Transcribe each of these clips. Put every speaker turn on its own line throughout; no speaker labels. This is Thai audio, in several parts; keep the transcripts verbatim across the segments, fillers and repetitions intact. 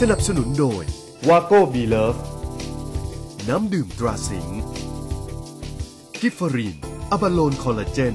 สนับสนุนโดยวาโก้บีเลิฟน้ำดื่มตราสิงห์กิฟฟรีนอะบาโลนคอลลาเจน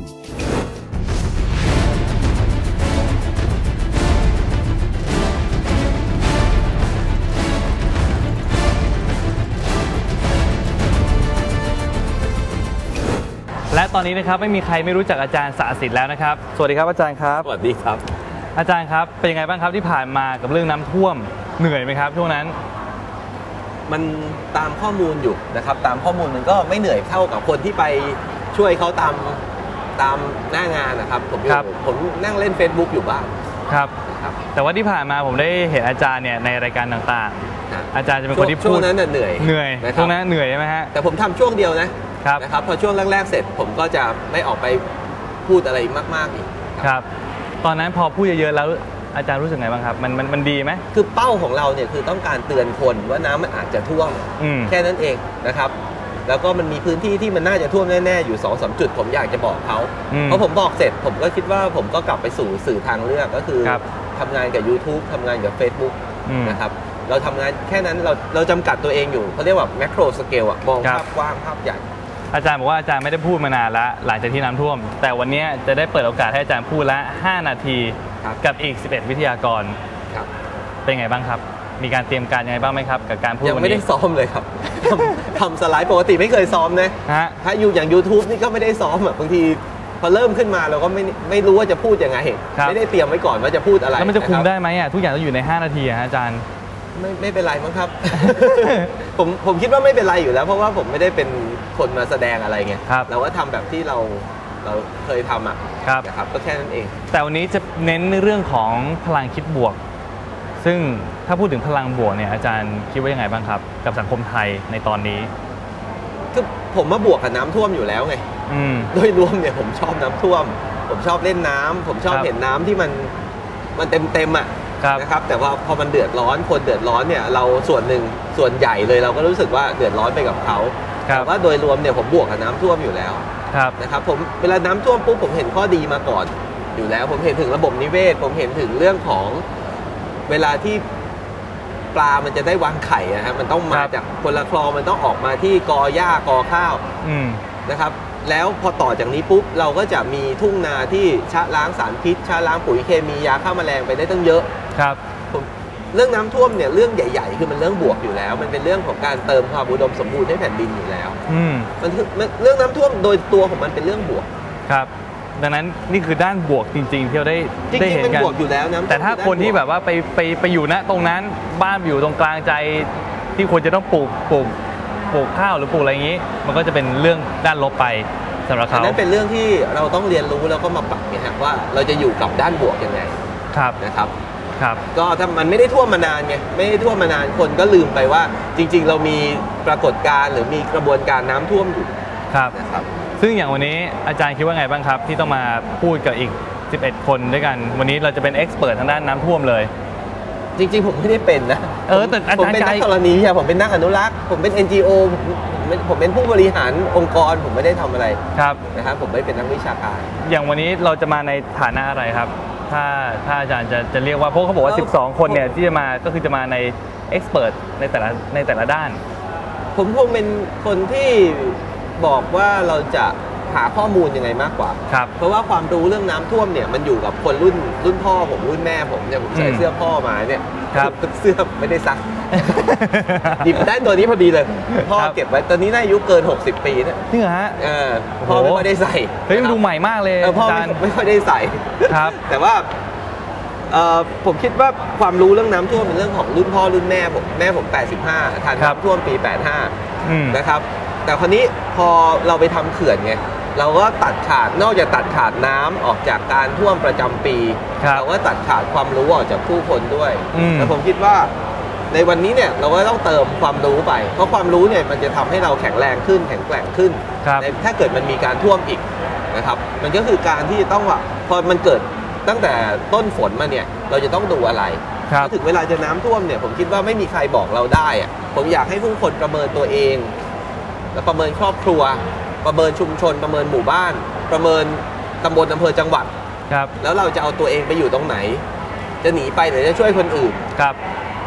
และตอนนี้นะครับไม่มีใครไม่รู้จักอาจารย์สะสิทธิ์แล้วนะครับสวัสดีครับอาจารย์ครับ
สวัสดีครับ
อาจารย์ครับเป็นยังไงบ้างครับที่ผ่านมากับเรื่องน้ำท่วมเหนื่อยไหมครับช่วงนั้น
มันตามข้อมูลอยู่นะครับตามข้อมูลมันก็ไม่เหนื่อยเท่ากับคนที่ไปช่วยเขาตามตามหน้างานนะครับผมผมนั่งเล่น Facebook อยู่บ้าง
ครับแต่ว่าที่ผ่านมาผมได้เห็นอาจารย์เนี่ยในรายการต่างๆอาจารย์จะเป็นคนที่พูด
ช่วงนั้นเหนื่อย
เหนื่อยช่วงนั้นเหนื่อยใช่ไหมฮะ
แต่ผมทำช่วงเดียวนะนะครับพอช่วงแรกๆเสร็จผมก็จะไม่ออกไปพูดอะไรมากๆอีก
ครับตอนนั้นพอพูดเยอะๆแล้วอาจารย์รู้สึกไงบ้างครับมันมันมันดีไหม
คือเป้าของเราเนี่ยคือต้องการเตือนคนว่าน้ำมันอาจจะท่วมแค่นั้นเองนะครับแล้วก็มันมีพื้นที่ที่มันน่าจะท่วมแน่ๆอยู่ สองสาม จุดผมอยากจะบอกเขาเพราะผมบอกเสร็จผมก็คิดว่าผมก็กลับไปสู่สื่อทางเลือกก็คือทำงานกับ YouTube ทำงานกับ Facebook นะครับเราทำงานแค่นั้นเราเราจำกัดตัวเองอยู่เขาเรียกว่าแมคโครสเกลอะมองภาพกว้างภาพใหญ่
อาจารย์บอกว่าอาจารย์ไม่ได้พูดมานานแล้วหลังจากที่น้ำท่วมแต่วันนี้จะได้เปิดโอกาสให้อาจารย์พูดละห้านาทีกับอีกสิบเอ็ดวิทยากรเป็นไงบ้างครับมีการเตรียมการยังไงบ้างไหมครับกับการพูดวันนี้
ยังไม่ได้ซ้อมเลยครับทำสไลด์ปกติไม่เคยซ้อมนะถ้าอยู่อย่าง YouTube นี่ก็ไม่ได้ซ้อมอ่ะบางทีพอเริ่มขึ้นมาเราก็ไม่ไม่รู้ว่าจะพูดยังไงไม่ได้เตรียมไว้ก่อนว่าจะพูดอะไร
แล้วมันจะคุมได้ไหมอ่ะทุกอย่างต้องอยู่ในห้านาทีอาจารย์
ไม่ไม่เป็นไรมั้งครับ ผมผมคิดว่าไม่เป็นไรอยู่แล้วเพราะว่าผมไม่ได้เป็นคนมาแสดงอะไรไงเราก็ทำแบบที่เราเราเคยทำอ่ะนะครับก็แค่นั้นเอง
แต่วันนี้จะเน้นในเรื่องของพลังคิดบวกซึ่งถ้าพูดถึงพลังบวกเนี่ยอาจารย์คิดว่ายังไงบ้างครับกับสังคมไทยในตอนนี้
คือผมมาบวกกับน้ำท่วมอยู่แล้วไงโดยรวมเนี่ยผมชอบน้ำท่วมผมชอบเล่นน้ำผมชอบเห็นน้ำที่มันมันเต็มเต็มอ่ะนะครับแต่ว่าพอมันเดือดร้อนคนเดือดร้อนเนี่ยเราส่วนหนึ่งส่วนใหญ่เลยเราก็รู้สึกว่าเดือดร้อนไปกับเขาแต่ว่าโดยรวมเนี่ยผมบวกกับน้ำท่วมอยู่แล้วนะครับผมเวลาน้ำท่วมปุ๊บผมเห็นข้อดีมาก่อนอยู่แล้วผมเห็นถึงระบบนิเวศผมเห็นถึงเรื่องของเวลาที่ปลามันจะได้วางไข่นะฮะมันต้องมาจากคนละคลองมันต้องออกมาที่กอหญ้ากอข้าวนะครับแล้วพอต่อจากนี้ปุ๊บเราก็จะมีทุ่งนาที่ชะล้างสารพิษชะล้างปุ๋ยเคมียาฆ่าแมลงไปได้ตั้งเยอะ
ครับ
ผมเรื่องน้ำท่วมเนี่ยเรื่องใหญ่ๆคือมันเรื่องบวกอยู่แล้วมันเป็นเรื่องของการเติมความอุดมสมบูรณ์ให้แผ่นดินอยู่แล้วมันเรื่องน้ำท่วมโดยตัวของมันเป็นเรื่องบวก
ครับดังนั้นนี่คือด้านบวกจริงๆที่เราได้ได้เห็นกันแต่ถ้าคนที่แบบว่าไปไปไปอยู่ณตรงนั้นบ้านอยู่ตรงกลางใจที่ควรจะต้องปลูกปลูกปลูกข้าวหรือปลูกอะไรอย่างนี้มันก็จะเป็นเรื่องด้านลบไปสำหรับเขา
อันนั้นเป็นเรื่องที่เราต้องเรียนรู้แล้วก็มาปรับไงฮะว่าเราจะอยู่กับด้านบวกยังไง
ครับ
นะครับ
ครับ
ก็ถ้ามันไม่ได้ท่วมมานานไงไม่ได้ท่วมมานานคนก็ลืมไปว่าจริงๆเรามีปรากฏการณ์หรือมีกระบวนการน้ำท่วมอยู่
ครับนะครับซึ่งอย่างวันนี้อาจารย์คิดว่าไงบ้างครับที่ต้องมาพูดกับอีกสิบเอ็ดคนด้วยกันวันนี้เราจะเป็นเอ็กซ์เพิร์ททางด้านน้ำท่วมเลย
จริงๆผมไม่ได้เป็นนะ
เออแต่อาจารย์
ผมเป็นนักธรณีวิทยาผมเป็นนักอนุรักษ์ผมเป็น เอ็น จี โอ ผมเป็นผู้บริหารองค์กรผมไม่ได้ทำอะไร
ครับ
นะครับผมไม่เป็นนักวิชาการ
อย่างวันนี้เราจะมาในฐานะอะไรครับถ้าถ้าอาจารย์จะจะเรียกว่าเพราะเขาบอกว่าสิบสองคนเนี่ยที่จะมาก็คือจะมาในเอ็กซ์เพิร์ทในแต่ละในแต่ละด้าน
ผมคงเป็นคนที่บอกว่าเราจะหาข้อมูลยังไงมากกว่าเพราะว่าความรู้เรื่องน้ำท่วมเนี่ยมันอยู่กับคนรุ่นรุ่นพ่อผมรุ่นแม่ผมเนี่ยผมใส่เสื้อพ่อมาเนี่ยเสื้อไม่ได้ซักหยิบได้ตัวนี้พอดีเลยพ่อเก็บไว้ตอนนี้น่าอายุเกินหกสิบปีนะ
จริงเหรอฮะ
พ่อไม่ค่อยได้ใส่
เฮ้ยมันดูใหม่มากเลย
พ่อไม่ค่อยได้ใส่
ครับ
แต่ว่าผมคิดว่าความรู้เรื่องน้ำท่วมเป็นเรื่องของรุ่นพ่อรุ่นแม่ผมแม่ผมแปดสิบห้าทันน้ำท่วมปีแปดสิบห้านะครับแต่คราวนี้พอเราไปทำเขื่อนไงเราก็ตัดขาดนอกจากตัดขาดน้ำออกจากการท่วมประจำปีเราก็ตัดขาดความรู้ออกจากผู้คนด้วยแต่ผมคิดว่าในวันนี้เนี่ยเราก็ต้องเติมความรู้ไปเพราะความรู้เนี่ยมันจะทำให้เราแข็งแรงขึ้นแข็งแกร่งขึ้นถ้าเกิดมันมีการท่วมอีกนะครับมันก็คือการที่ต้องว่าพอมันเกิดตั้งแต่ต้นฝนมาเนี่ยเราจะต้องดูอะไรถึงเวลาจะน้ำท่วมเนี่ยผมคิดว่าไม่มีใครบอกเราได้อะผมอยากให้ผู้คนประเมินตัวเองและประเมินครอบครัวประเมินชุมชนประเมินหมู่บ้านประเมินตำบลอำเภอจังหวัดแล้วเราจะเอาตัวเองไปอยู่ตรงไหนจะหนีไปหรือจะช่วยคนอื่น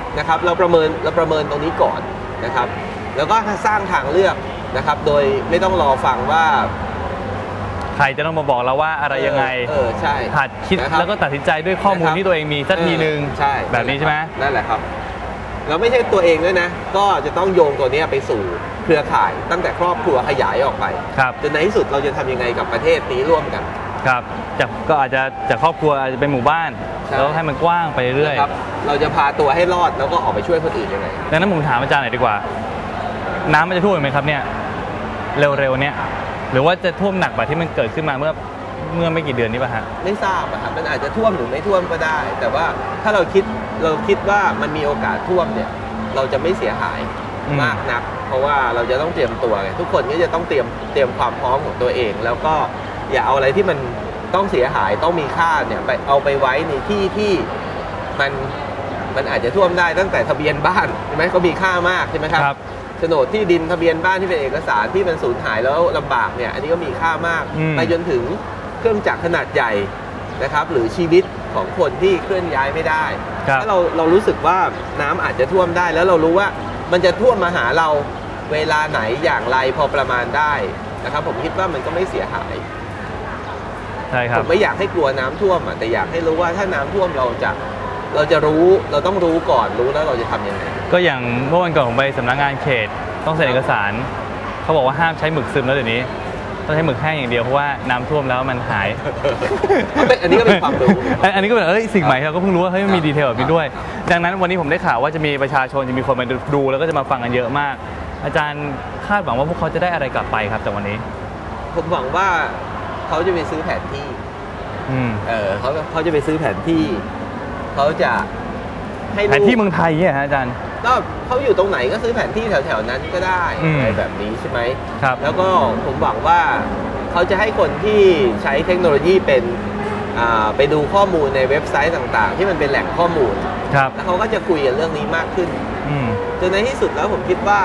นะครับเราประเมินเราประเมินตรงนี้ก่อนนะครับแล้วก็สร้างทางเลือกนะครับโดยไม่ต้องรอฟังว่า
ใครจะต้องมาบอกเราว่าอะไรยังไง
เออใช่
หัดคิดแล้วก็ตัดสินใจด้วยข้อมูลที่ตัวเองมีสักทีนึง
ใช่
แบบนี้ใช่ไหม
นั่นแหละครับแล้วไม่ใช่ตัวเองด้วยนะก็จะต้องโยงตัวนี้ไปสู่เครือข่ายตั้งแต่ครอบครัวขยายออกไปจนในที่สุดเราจะทำยังไงกับประเทศนี้ร่วมกัน
ครับจากก็อาจจะจากครอบครัวอาจจะเป็นหมู่บ้านแล้วให้มันกว้างไปเรื่อย
ครับเราจะพาตัวให้รอดแล้วก็ออกไปช่วยคนอื่นยังไง
ดังนั้นผมถามอาจารย์หน่อยดีกว่าน้ำมันจะท่วมไหมครับเนี่ยเร็วๆเนี่ยหรือว่าจะท่วมหนักแบบที่มันเกิดขึ้นมาเมื่อเมื่อไม่กี่เดือนนี้ป่ะฮะ
ไม่ทราบอะครับมันอาจจะท่วมหรือไม่ท่วมก็ได้แต่ว่าถ้าเราคิดเราคิดว่ามันมีโอกาสท่วมเนี่ยเราจะไม่เสียหายมากนักเพราะว่าเราจะต้องเตรียมตัวไงทุกคนก็จะต้องเตรียมเตรียมความพร้อมของตัวเองแล้วก็อย่าเอาอะไรที่มันต้องเสียหายต้องมีค่าเนี่ยไปเอาไปไว้ในที่ที่มันมันอาจจะท่วมได้ตั้งแต่ทะเบียนบ้านใช่ไหมเขามีค่ามากใช่ไหมครับโฉนดที่ดินทะเบียนบ้านที่เป็นเอกสารที่มันสูญหายแล้วลำบากเนี่ยอันนี้ก็มีค่ามากไปจนถึงเครื่องจักรขนาดใหญ่นะครับหรือชีวิตของคนที่เคลื่อนย้ายไม่ได้ถ้าเราเรารู้สึกว่าน้ำอาจจะท่วมได้แล้วเรารู้ว่ามันจะท่วมมาหาเราเวลาไหนอย่างไรพอประมาณได้นะครับผมคิดว่ามันก็ไม่เสียหาย
ใช่ครับ
ผมไม่อยากให้กลัวน้ำท่วมแต่อยากให้รู้ว่าถ้าน้ำท่วมเราจะเราจะรู้เราต้องรู้ก่อนรู้แล้วเราจะทำยังไง
ก็อย่างเมื่อวันก่อนผมไปสำนักงานเขตต้องเซ็นเอกสารเขาบอกว่าห้ามใช้หมึกซึมแล้วเดี๋ยวนี้ต้องใช้หมึกแห้งอย่างเดียวเพราะว่าน้ำท่วมแล้วมันหาย
อันนี้ก็เป็นความรู้
อันนี้ก็เป็นเอ้ยสิ่งใหม่เราก็เพิ่งรู้ว่าเฮ้ยมันมีดีเทลแบบนี้ด้วยดังนั้นวันนี้ผมได้ข่าวว่าจะมีประชาชนจะมีคนมาดูแล้วก็จะมาฟังกันเยอะมากอาจารย์คาดหวังว่าพวกเขาจะได้อะไรกลับไปครับจากวันนี้
ผมหวังว่าเขาจะไปซื้อแผนที่เออเขาเขาจะไปซื้อแผนที่เขาจะ
ให้แผนที่เมืองไทยเนี่ยฮะอาจารย์
ก็เขาอยู่ตรงไหนก็ซื้อแผนที่แถวๆนั้นก็ได้อะไรแบบนี้ใช่ไหมครับแล้วก็ผมหวังว่าเขาจะให้คนที่ใช้เทคโนโลยีเป็นไปดูข้อมูลในเว็บไซต์ต่างๆที่มันเป็นแหล่งข้อมูลแล้วเขาก็จะคุยกันเรื่องนี้มากขึ้นจนในที่สุดแล้วผมคิดว่า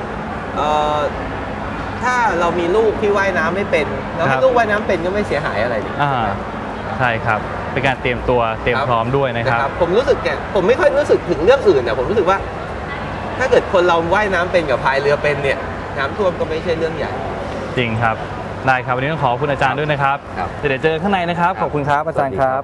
ถ้าเรามีลูกที่ว่ายน้ำไม่เป็นแล้วให้ลูกว่ายน้ำเป็นก็ไม่เสียหายอะไรเลย
ใช่ครับเป็นการเตรียมตัวเตรียมพร้อมด้วยนะครับ
ผมรู้สึกแกผมไม่ค่อยรู้สึกถึงเรื่องอื่นนะผมรู้สึกว่าถ้าเกิดคนเราว่ายน้ำเป็นกับพายเรือเป็นเนี่ยน้ำท่วมก็ไม่ใช่เรื่องใหญ่
จริงครับได้ครับวันนี้ต้องขอบคุณอาจารย์ด้วยนะครับเดี๋ยวเจอข้างในนะครับขอบคุณครับอาจารย์ครับ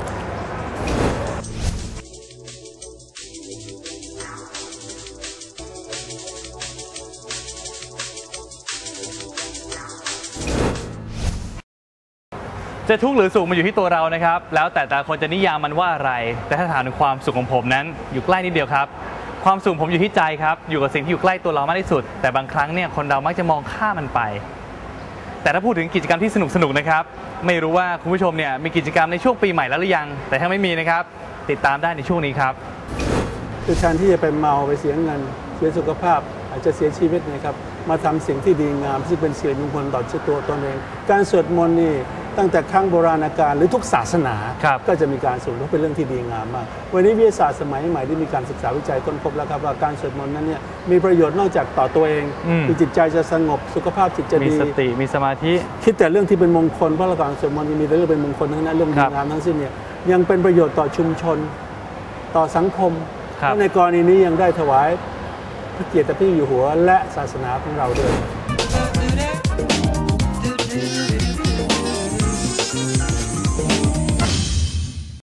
จะทุกข์หรือสุขมันอยู่ที่ตัวเรานะครับแล้วแต่แต่คนจะนิยามมันว่าอะไรแต่ถ้าถามถึงความสุขของผมนั้นอยู่ใกล้นิดเดียวครับความสุขผมอยู่ที่ใจครับอยู่กับสิ่งที่อยู่ใกล้ตัวเรามากที่สุดแต่บางครั้งเนี่ยคนเรามักจะมองข้ามมันไปแต่ถ้าพูดถึงกิจกรรมที่สนุกสนุกนะครับไม่รู้ว่าคุณผู้ชมเนี่ยมีกิจกรรมในช่วงปีใหม่แล้วหรือยังแต่ถ้าไม่มีนะครับติดตามได้ในช่วงนี้ครับ
คือแทนที่จะไปเมาไปเสียเงินเสียสุขภาพอาจจะเสียชีวิตนะครับมาทำสิ่งที่ดีงามที่เป็นสิริมงคลต่อชีวิตตัวตนเองการสวดมนต์นี่ตั้งแต่ครั้งโบราณกาลหรือทุกศาสนาก็จะมีการสวดมนต์เป็นเรื่องที่ดีงามมากวันนี้วิทยาศาสตร์สมัยใหม่ได้มีการศึกษาวิจัยค้นพบแล้วครับว่าการสวดมนต์นั้นเนี่ยมีประโยชน์นอกจากต่อตัวเองคือจิตใจจะสงบสุขภาพจิตจะดี
มีสติมีสมาธิ
คิดแต่เรื่องที่เป็นมงคลเพราะการสวดมนต์มีแต่เรื่องเป็นมงคลทั้งนั้นเรื่องดีงามทั้งสิ้นเนี่ยยังเป็นประโยชน์ต่อชุมชนต่อสังคมในกรณีนี้ยังได้ถวายพระเกียรติพระเจ้าอยู่หัวและศาสนาของเราด้วย